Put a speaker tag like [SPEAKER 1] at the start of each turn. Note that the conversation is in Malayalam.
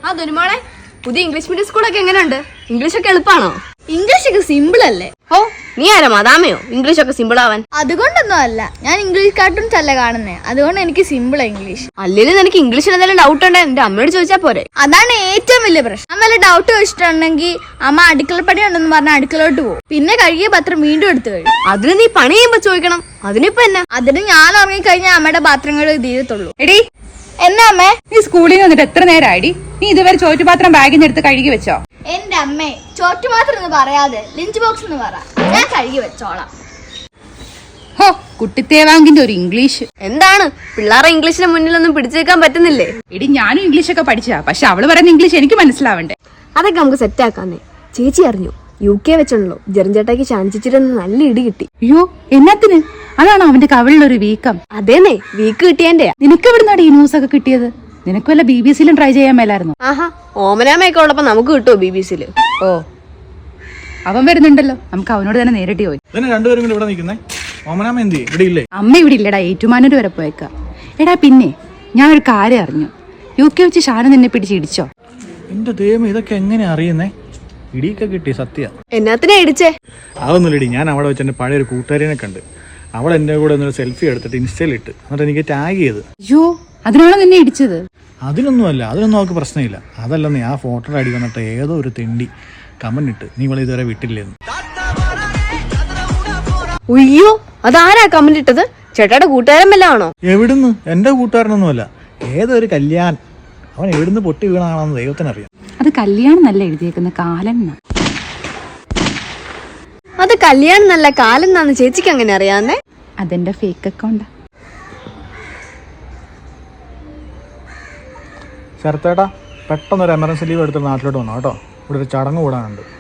[SPEAKER 1] ആ ദുരുമോളെ, പുതിയ ഇംഗ്ലീഷ് മീഡിയം സ്കൂളൊക്കെ എങ്ങനെയുണ്ട്? ഇംഗ്ലീഷ് ഒക്കെ എളുപ്പമാണോ?
[SPEAKER 2] ഇംഗ്ലീഷ് ഒക്കെ സിമ്പിൾ അല്ലേ?
[SPEAKER 1] ഓ, നീ ആരാ മദാമയോ ഇംഗ്ലീഷ് ഒക്കെ സിമ്പിൾ ആവാൻ?
[SPEAKER 2] അതുകൊണ്ടൊന്നും അല്ല, ഞാൻ ഇംഗ്ലീഷ് കാർട്ടൂൺസ് അല്ല കാണുന്നേ, അതുകൊണ്ട് എനിക്ക് സിമ്പിൾ ഇംഗ്ലീഷ്.
[SPEAKER 1] അല്ലെങ്കിൽ നിനക്ക് ഇംഗ്ലീഷിൽ എന്തെങ്കിലും ഡൗട്ട് ഉണ്ടോ എന്റെ അമ്മയോട് ചോദിച്ചാൽ പോരെ?
[SPEAKER 2] അതാണ് ഏറ്റവും വലിയ പ്രശ്നം. ഞാൻ വല്ല ഡൗട്ട് വെച്ചിട്ടുണ്ടെങ്കിൽ അമ്മ അടുക്കളപ്പണി ഉണ്ടെന്ന് പറഞ്ഞ അടുക്കളോട്ട് പോകും, പിന്നെ കഴുകിയ പത്രം വീണ്ടും എടുത്തു കഴിയും.
[SPEAKER 1] അതിന് നീ പണി ചെയ്യുമ്പോ ചോദിക്കണം. അതിനിപ്പോ എന്നാ?
[SPEAKER 2] അതിന് ഞാൻ ഉറങ്ങിക്കഴിഞ്ഞാൽ അമ്മയുടെ പാത്രങ്ങൾ തീരത്തുള്ളൂ.
[SPEAKER 3] എടി,
[SPEAKER 2] എന്നാ അമ്മേ?
[SPEAKER 3] നീ സ്കൂളിൽ നിന്ന് വന്നിട്ട് എത്ര നേരമായിടി? നീ ഇതുവരെ ചോറ്റുപാത്രം ബാഗിൽ നിന്ന് എടുത്ത് കഴുകി വെച്ചോ?
[SPEAKER 2] എന്റെ അമ്മേ, ചോറ്റുപാത്രം എന്ന് പറയാതെ ലഞ്ച് ബോക്സ് എന്ന് പറ, ഞാൻ കഴുകി വെച്ചോളാം.
[SPEAKER 3] ഹോ, കുട്ടിത്തേവാങ്കിന്റെ ഒരു ഇംഗ്ലീഷ്.
[SPEAKER 1] എന്താണ് പിള്ളേരെ ഇംഗ്ലീഷിന് മുന്നിലൊന്നും പിടിച്ചേക്കാൻ പറ്റുന്നില്ലേ?
[SPEAKER 3] എടി, ഞാനും ഇംഗ്ലീഷ് ഒക്കെ പഠിച്ചാ, പക്ഷെ അവള് പറയുന്ന ഇംഗ്ലീഷ് എനിക്ക് മനസ്സിലാവണ്ടേ?
[SPEAKER 1] അതൊക്കെ നമുക്ക് സെറ്റ് ആക്കാന്നേ. ചേച്ചി അറിഞ്ഞു, UK വെച്ചോളൂ ജെറിഞ്ചേട്ടാക്ക് ശാന്തിച്ചിരുന്ന് നല്ല ഇടി കിട്ടി.
[SPEAKER 3] അയ്യോ, എന്നാത്തിന്? അതാണോ അവന്റെ കവിളിലൊരു വീക്കം?
[SPEAKER 1] അതേന്നേ, വീക്ക് കിട്ടിയന്റെ.
[SPEAKER 3] നിനക്ക് എവിടുന്നാടി ഈ ന്യൂസ് ഒക്കെ കിട്ടിയത്? നിനക്ക് വല്ല BBC-ലും ട്രൈ ചെയ്യാൻ മേലായിരുന്നു?
[SPEAKER 1] ആഹാ, ഓമനാമയൊക്കെ ഉള്ളപ്പോ നമുക്ക് കിട്ടുമോ BBC-ല്?
[SPEAKER 3] ഓ, അവൻ വരുന്നുണ്ടല്ലോ, നമുക്ക് അവനോട് തന്നെ നേരിട്ട് പോയി.
[SPEAKER 4] രണ്ടുപേരും കൂടി ഇവിടെ നിൽക്കുന്നേ. ഓമനാമ എന്തി ഇവിടെ ഇല്ലേ?
[SPEAKER 3] അമ്മ ഇവിടെ ഇല്ലടാ, ഏറ്റുമാനൂർ വരെ പോയേക്ക. എടാ പിന്നെ, ഞാൻ ഒരു കാര്യം അറിഞ്ഞു. UK വെച്ച് ഷാന നിന്നെ പിടിച്ച് ഇടിച്ചോ?
[SPEAKER 4] എന്റെ ദൈവം, ഇതൊക്കെ എങ്ങനെ അറിയുന്നേ? ഇടിയൊക്കെ കിട്ടി, സത്യ.
[SPEAKER 1] എന്നാത്തിനാ ഇടിച്ചേ?
[SPEAKER 4] അതൊന്നുമില്ലടി, ഞാൻ അവിടെ വെച്ച് എൻ്റെ പഴയൊരു കൂട്ടുകാരിനെ കണ്ട്. അവൾ എൻ്റെ കൂടെ ഒന്നൊരു സെൽഫി എടുത്തിട്ട് ഇൻസ്റ്റയിൽ ഇട്ട്, എന്നിട്ട് എനിക്ക് ടാഗ് ചെയ്ത്.
[SPEAKER 3] അയ്യോ, അതിനാണോ നിന്നെ ഇടിച്ചത്?
[SPEAKER 4] അതിനൊന്നുമല്ല, അതിനൊന്നും അവൾക്ക് പ്രശ്നമില്ല. അതല്ലെന്നേ, ആ ഫോട്ടോയുടെ അടി വന്നിട്ട് ഏതോ ഒരു തെണ്ടി കമന്റ് ഇട്ട്, നീ ഇവളെ ഇതുവരെ വിട്ടില്ലെന്ന്.
[SPEAKER 1] ഉയ്യോ, അതാരാ കമന്റ് ഇട്ടത്? ചേട്ടായുടെ കൂട്ടുകാരൻ വല്ല ആണോ?
[SPEAKER 4] എവിടുന്ന്? എൻ്റെ കൂട്ടുകാരനൊന്നുമല്ല, ഏതോ ഒരു കല്യാൺ. അവൻ എവിടുന്ന് പൊട്ടി വീണാണെന്ന് ദൈവത്തിനറിയാം.
[SPEAKER 3] അത് കല്യാണം നല്ല എഴുതിയേക്കുന്ന കാലൻ.
[SPEAKER 1] അത് കല്യാണം നല്ല കാലം എന്നാന്ന് ചേച്ചിക്ക് അങ്ങനെ അറിയാന്നേ?
[SPEAKER 3] അതെന്റെ ഫേക്ക് അക്കൗണ്ടാ.
[SPEAKER 4] ശരത്തേട്ടാ, പെട്ടെന്നൊരു എമർജൻസി ലീവ് എടുത്തിട്ട് നാട്ടിലോട്ട് വന്നോ കേട്ടോ. ഇവിടെ ഒരു ചടങ്ങ് കൂടാനുണ്ട്.